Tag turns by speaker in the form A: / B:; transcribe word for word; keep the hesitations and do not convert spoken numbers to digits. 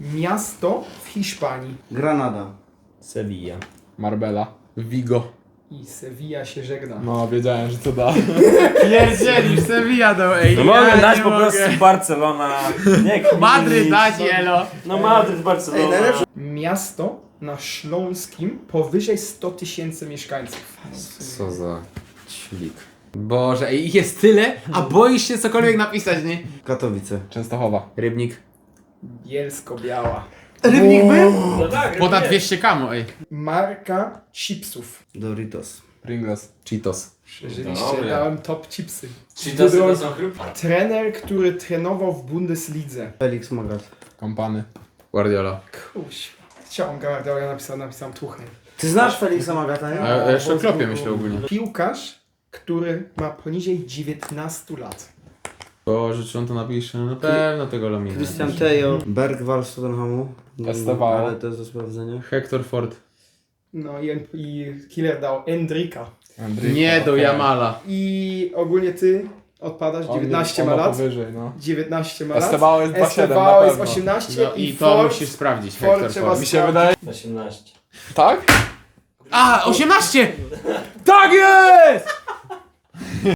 A: Miasto w Hiszpanii.
B: Granada.
C: Sevilla.
D: Marbella. Vigo.
A: I Sevilla się żegna.
D: No, wiedziałem, że to da. Pierdzielisz, Sevilla dał, ej.
C: No mogę dać po prostu Barcelona. Nie Kmiś.
D: Madryt dać, elo.
C: No Madryt, Barcelona.
B: Ej, najlepsze-
A: Miasto na Śląskim powyżej sto tysięcy mieszkańców.
D: Co za ćwik. Boże, ej, ich jest tyle, a boisz się cokolwiek napisać, nie?
B: Katowice.
D: Częstochowa. Rybnik.
A: Bielsko-Biała.
B: Rybnik był?
C: No tak,
D: Ponad
C: nie.
D: dwieście kamo, ej.
A: Marka chipsów.
B: Doritos.
D: Pringles. Cheetos.
A: Przeżyliście,
C: Dobra.
A: dałem top chipsy.
C: Czyli to są- to są chrupki.
A: Trener, który trenował w Bundeslidze.
B: Felix Magath.
D: Kampany. Guardiola.
A: Kuźwa. Chciałem Guardiola, ja napisałem, napisałem Tuchel.
B: Ty znasz Felixa Magatha, nie?
D: A ja jeszcze o Klopie myślę ogólnie.
A: Piłkarz, który ma poniżej dziewiętnastu lat.
D: Boże, czy on to napisze? Na pewno tego Lamina.
B: Christian Tejo. Bergwall z Tottenhamu. Nie wiem,
D: Estevao.
B: ale to jest do sprawdzenia.
D: Hector Ford.
A: No i, i killer dał Endrika.
D: Nie do Jamala.
A: I ogólnie ty odpadasz, dziewiętnaście ma lat.
D: Powyżej, no.
A: dziewiętnaście ma lat.
D: Estevao jest dwa siedem,
A: Estevao
D: na
A: jest
D: pewno.
A: osiemnaście
D: No
A: i,
D: i to
A: Ford,
D: musisz sprawdzić,
A: Ford
D: Hector
A: trzeba
D: Ford. Mi się
A: sprawdzić.
D: wydaje...
C: osiemnaście.
D: Tak? A, osiemnaście! Tak jest!